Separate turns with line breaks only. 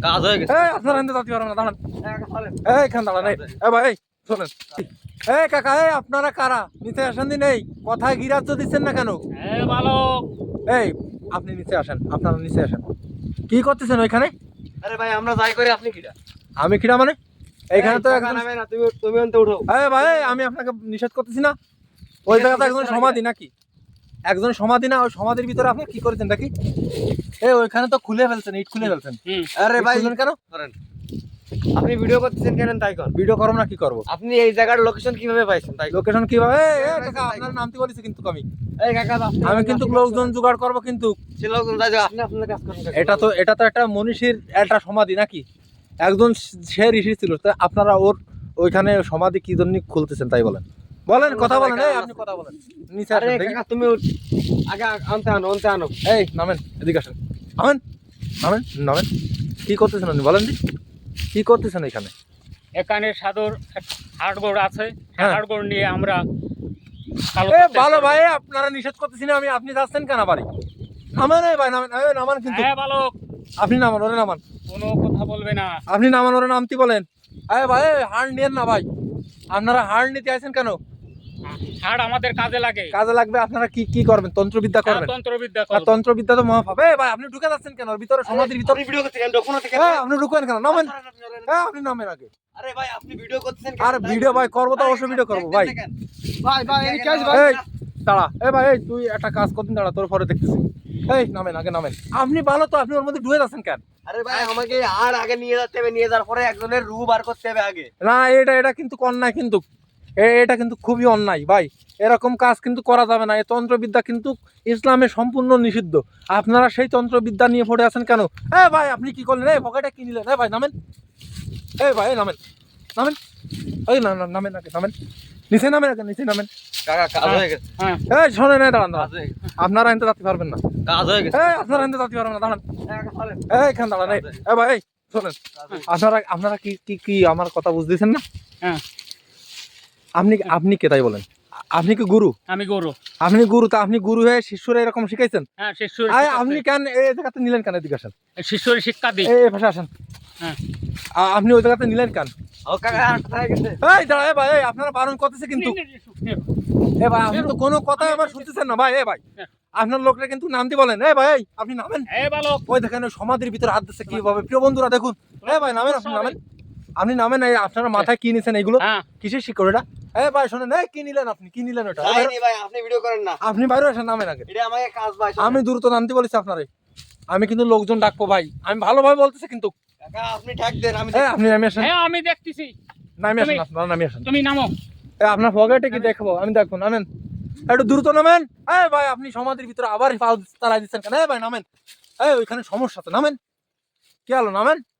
কাজ হয়ে গেছে।
এই আপনারা এখানে যাতে পারবেন না, দাঁড়ান। এই এখানে দাঁড়ান। এই ভাই এই শোনেন। এই কাকা, এই আপনারা কারা? নিচে আসেন দিন। এই কথায় গিরাজ্য দিচ্ছেন না কেন?
বালক,
এই আপনি নিচে আসেন, আপনারা নিচে আসেন। কি করতেছেন ওইখানে?
আরে ভাই আমরা যাই করি, আপনি কিরা?
আমি কিরা মানে? এইখানে তো
টাকা
একজন।
নামে না, তুমি অন্তে উঠো।
এই ভাই আমি আপনাকে নিষেধ করতেছি না। ওই জায়গাতে একজন সমাধি নাকি? একজন সমাধি না? ওই সমাধির ভিতরে আপনি কি করেছেন নাকি? এই ওইখানে তো খুলে ফেলছেন, ইট খুলে ফেলছেন।
আরে ভাই
খুললেন কেন?
করেন, আপনি ভিডিও করতেছেন কেন তাই কর।
ভিডিও করব না কি করব?
আপনি এই জায়গার লোকেশন কিভাবে পাইছেন তাই কর।
লোকেশন কিভাবে? এই কাকা আপনার নামটি বলেছি কিন্তু
এই কাকা
আমি কিন্তু লোকজন জোগাড় করব কিন্তু।
সে লোকজন যাই আপনি আপনার কাজ করেন।
এটা তো একটা মনীষীর একটা সমাধি নাকি? একজন সে ঋষি ছিল, তা আপনারা ওর ওইখানে সমাধি কি জন্য খুলতেছেন তাই বলেন। বলেন, কথা বলেন। এই আপনি কথা বলেন। নিচে
আরে
আসেন দেখি।
কাকা তুমি আগে আনতে আনো।
এই নামেন, এদিকে আসেন। নামেন। কি করতেছেন আপনি বলেন দি? কি করতেছেন এখানে?
এখানে সাদর হাড়গোড় আছে,
হ্যাঁ।
হাড়গোড় নিয়ে আমরা
ভালো ভাই, আপনারা নিষেধ করতেছি না আমি, আপনি যাচ্ছেন কেন বাড়ি? নামেন এই ভাই, নামেন। এই নামান কিন্তু।
বালক,
আপনি নামান, ওরে নামান।
কোনো কথা বলবে না।
আপনি নামান, ওরে নামতি বলেন। এই ভাই হাড় নিয়েন না ভাই। আপনারা হাড় নিতে আছেন কেন?
হাড় আমাদের কাজে লাগে।
কাজে লাগবে। আপনারা কি কি করবেন? তন্ত্রবিদ্যা করবেন?
তন্ত্রবিদ্যা
আর
করব।
তন্ত্রবিদ্যা তো মহাপাপ। এই ভাই আপনি ঢুকে যাচ্ছেন কেন? ওর ভিতরে সমাধির ভিতরে
আপনি ভিডিও করতে কেন ডকুনো থেকে?
আপনি ঢুকেন কেন? নামেন। আপনি নামেন আগে।
আরে ভাই আপনি ভিডিও করতেছেন
আর ভিডিও ভাই করবো তো অবশ্যই ভিডিও করবো ভাই।
ভাই এই কাজ
এই দাঁড়া, ভাই এই তুই একটা কাজ করতেন, দাঁড়া তোর পরে দেখতেছি। এই নামেন আগে, নামেন। আপনি ভালো তো, আপনি ওর মধ্যে ঢুকে যাচ্ছেন কেন?
আরে ভাই আমাকে আর আগে নিয়ে যেতে হবে, নিয়ে যাওয়ার পরে একজনের রূপ বার করতে হবে আগে।
না এটা কিন্তু অন্যায়, কিন্তু এটা কিন্তু খুবই অন্যায় ভাই। এরকম কাজ কিন্তু করা যাবে না। এই তন্ত্রবিদ্যা কিন্তু ইসলামে সম্পূর্ণ নিষিদ্ধ। আপনারা সেই তন্ত্রবিদ্যা নিয়ে পড়ে আছেন কেন? ভাই আপনি কি করলেন? এই পকেটে কি নিলেন? ভাই নামেন। ভাই নামেন। এই নামেন আগে, নামেন। নিচে নামেন আগে, নিচে নামেন।
কাকা কাজ হয়ে গেছে।
হ্যাঁ,
শোনেন, দাঁড়ান।
কাজ হয়ে গেছে।
আপনারা এনতে যাতে পারবেন না।
কাজ হয়ে গেছে।
আপনারা এনতে যাতে পারবেন না, দাঁড়ান।
চলেন।
এখানে দাঁড়ান। ভাই এই শোনেন, আপনারা কি আমার কথা বুঝতেছেন না?
হ্যাঁ।
আপনি কে তাই বলেন? আপনি কি গুরু?
আমি গরু।
আপনি গুরু, তা আপনি গুরু হয়ে শিষ্যরা এরকম শিখাইছেন?
হ্যাঁ, শিষ্যর
আপনি কেন এই জায়গাতে নিলেন কেন? এদিকে আসেন।
শিষ্যর শিক্ষা দিই।
এই পাশে আসেন।
হ্যাঁ।
আপনি ওই জায়গাতে নিলেন কেন?
ও কাকা আর কোথায় গেছে?
এই দাঁড়া, ভাই আপনারা বারণ করতেছে কিন্তু। ভাই আপনি তো কোনো কথাই আমার শুনতেছেন না ভাই। ভাই আপনার লোকরা কিন্তু নামতে বলেন। ভাই আপনি নামেন।
বালক,
ওই দেখেন ওই সমাধির ভিতরে হাত দিচ্ছে কিভাবে। প্রিয় বন্ধুরা দেখুন। ভাই নামেন, আপনি নামেন। এই আপনারা মাথায় কি নিছেন এইগুলো?
হ্যাঁ।
কিসের শিকড় এটা? ভাই শোনেন, কি নিলেন আপনি? কি নিলেন ওটা?
যাইনি ভাই আপনি ভিডিও করেন না।
আপনি বাইরে আসেন, নামেন আগে।
এটা আমাকে কাজ ভাই।
আমি দ্রুত নামতে বলেছি আপনারে। আমি কিন্তু লোকজন ডাকবো ভাই। আমি ভালোভাবে বলতেছি কিন্তু।
কাকা আপনি ঠ্যাক দেন, আমি
আপনি নামে আসেন।
হ্যাঁ আমি দেখতেছি।
নামে আসেন, আপনারা নামে আসেন।
তুমি নামো।
আপনার পকেটে কি দেখবো? আমি দেখবো। নামেন, একটু দ্রুত নামেন। ভাই আপনি সমাধির ভিতরে আবার পাল তাড়াই দিচ্ছেন কেন? ভাই নামেন। ওইখানে সমস্যা তো, নামেন। কি হলো? নামেন।